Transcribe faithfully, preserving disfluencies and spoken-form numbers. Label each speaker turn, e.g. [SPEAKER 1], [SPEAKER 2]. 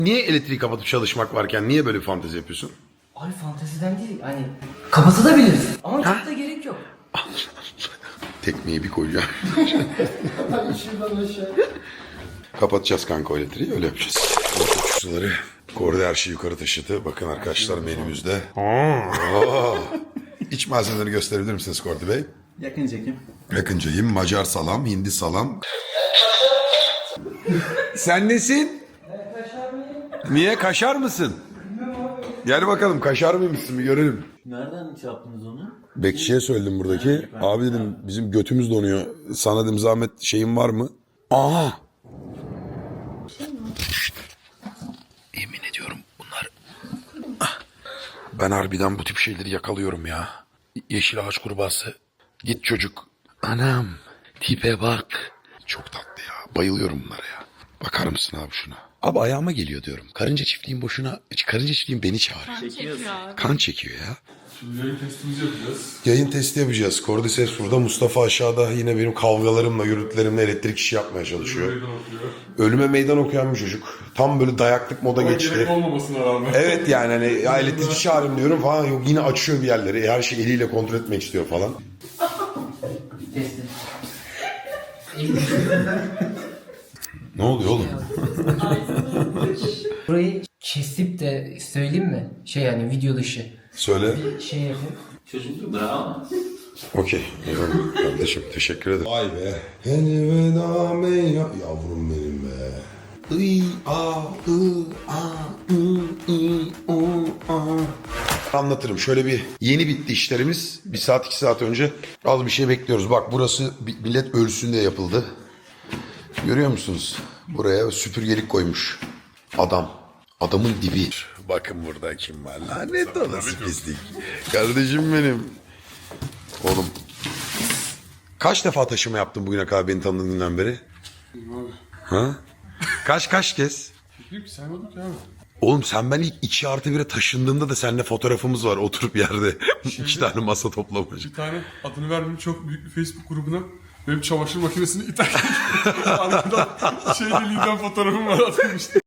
[SPEAKER 1] Niye elektriği kapatıp çalışmak varken niye böyle bir fantezi yapıyorsun?
[SPEAKER 2] Ay fanteziden değil hani kapatabiliriz ama çok da gerek yok.
[SPEAKER 1] Tekmeyi bir koyacağım. Kapatacağız kanka o elektriği, öyle yapacağız. Suları. Korda her şeyi yukarı taşıdı. Bakın arkadaşlar menümüzde. Oo. İç malzemeleri gösterebilir misiniz Kordi Bey?
[SPEAKER 3] Yakın çekim.
[SPEAKER 1] Yakıncayım. Macar salam, hindi salam. Sen nesin?
[SPEAKER 2] Kaşar mıyım?
[SPEAKER 1] Niye, kaşar mısın? Gel bakalım, kaşar mıymışsın bir görelim.
[SPEAKER 3] Nereden şey yaptınız onu?
[SPEAKER 1] Bekçiye söyledim buradaki. Abi dedim bizim götümüz donuyor. Sana dedim zahmet şeyin var mı? Aha. Yemin ediyorum bunlar. Ah. Ben harbiden bu tip şeyleri yakalıyorum ya. Yeşil ağaç kurbağası. Git çocuk. Anam. Tipe bak. Çok tatlı ya. Bayılıyorum bunlara ya. Bakar mısın abi şuna? Abi ayağıma geliyor diyorum. Karınca çiftliğin boşuna... Karınca çiftliğin beni çağırıyor.
[SPEAKER 4] Çekiyor abi.
[SPEAKER 1] Kan çekiyor ya.
[SPEAKER 5] Şimdi yayın testimizi yapacağız.
[SPEAKER 1] Yayın testi yapacağız. Cordyceps burada. Mustafa aşağıda yine benim kavgalarımla, yürütlerimle elektrik işi yapmaya çalışıyor.
[SPEAKER 5] Meydan okuyor.
[SPEAKER 1] Ölüme meydan okuyan bir çocuk. Tam böyle dayaklık moda
[SPEAKER 5] Ama
[SPEAKER 1] geçti.
[SPEAKER 5] gerek olmamasına rağmen.
[SPEAKER 1] Evet yani hani ya elektrik işi arıyorum diyorum falan. Yok yine açıyor bir yerleri. Her şeyi eliyle kontrol etmek istiyor falan.
[SPEAKER 2] Kestim.
[SPEAKER 1] Ne oluyor oğlum?
[SPEAKER 2] Burayı kesip de söyleyeyim mi? Şey yani video dışı.
[SPEAKER 1] Söyle.
[SPEAKER 2] Bir şey yapayım.
[SPEAKER 3] Çocuk bravo.
[SPEAKER 1] Okey. Eyvallah kardeşim teşekkür ederim. Vay be. Elveda mey yavrum benim be. Iy, a, ı, a, ı, i, o, a. Anlatırım. Şöyle bir yeni bitti işlerimiz. Bir saat iki saat önce az bir şey bekliyoruz. Bak burası millet ölsün diye yapıldı. Görüyor musunuz? Buraya süpürgelik koymuş. Adam. Adamın dibi. Bakın burada kim var. Lanet olası pislik. Kardeşim benim. Oğlum. Kaç defa taşıma yaptın bugüne kadar beni tanıdığın günden beri?
[SPEAKER 5] Abi.
[SPEAKER 1] Ha? Kaç kaç kez?
[SPEAKER 5] Yok saymadık ya abi.
[SPEAKER 1] Oğlum sen ben ilk iki artı bire taşındığımda da seninle fotoğrafımız var oturup yerde. İki tane masa toplamış.
[SPEAKER 5] Bir tane adını vermeyeyim çok büyük bir Facebook grubuna benim çamaşır makinesini iterken arkadan şey deliğinden fotoğrafım var atılmıştı.